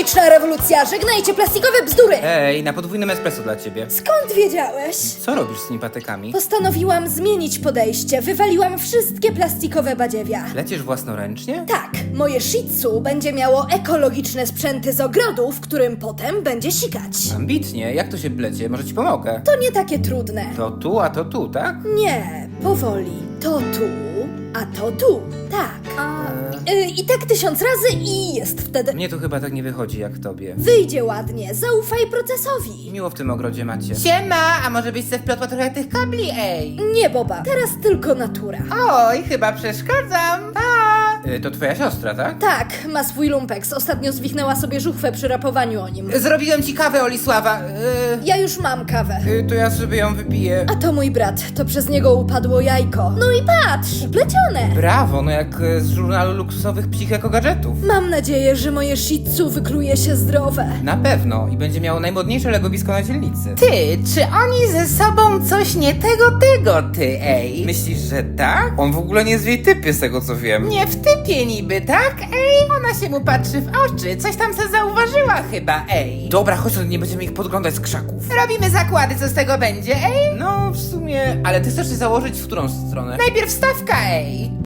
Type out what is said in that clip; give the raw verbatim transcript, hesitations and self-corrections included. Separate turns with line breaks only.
Ekologiczna rewolucja, żegnajcie plastikowe bzdury!
Ej, na podwójnym espresso dla ciebie.
Skąd wiedziałeś?
Co robisz z tymi patykami?
Postanowiłam zmienić podejście, wywaliłam wszystkie plastikowe badziewia.
Lecisz własnoręcznie?
Tak, moje Shih Tzu będzie miało ekologiczne sprzęty z ogrodu, w którym potem będzie sikać.
Ambitnie, jak to się blecie? Może ci pomogę?
To nie takie trudne.
To tu, a to tu, tak?
Nie, powoli. To tu, a to tu. Tak. Y, I tak tysiąc razy i jest wtedy.
Mnie to chyba tak nie wychodzi jak tobie.
Wyjdzie ładnie, zaufaj procesowi.
Miło w tym ogrodzie macie.
Siema, a może byś se wplotła trochę tych kabli, ej?
Nie, Boba, teraz tylko natura.
Oj, chyba przeszkadzam. Pa!
Y, to twoja siostra, tak?
Tak, ma swój lumpeks. Ostatnio zwichnęła sobie żuchwę przy rapowaniu o nim.
Zrobiłem ci kawę, Olisława.
Ja już mam kawę.
Y, y, to ja sobie ją wypiję.
A to mój brat, to przez niego upadło jajko. No i patrz, plecione.
Brawo, no jak y, z żurnalu luksusowych psich ekogadżetów.
Mam nadzieję, że moje Shih Tzu wykluje się zdrowe.
Na pewno i będzie miało najmodniejsze legowisko na dzielnicy.
Ty, czy oni ze sobą coś nie tego, tego, ty, ej?
Myślisz, że tak? On w ogóle nie jest w jej typie, z tego co wiem.
Nie w typie niby, tak? Ej, ona się mu patrzy w oczy. Coś tam se zauważyła chyba, ej.
Dobra, chodź, to nie będziemy ich podglądać z krzaków.
Robimy zakłady, co z tego będzie, ej?
No, w sumie... Ale ty chcesz się założyć w którą stronę?
Najpierw stawka, ej.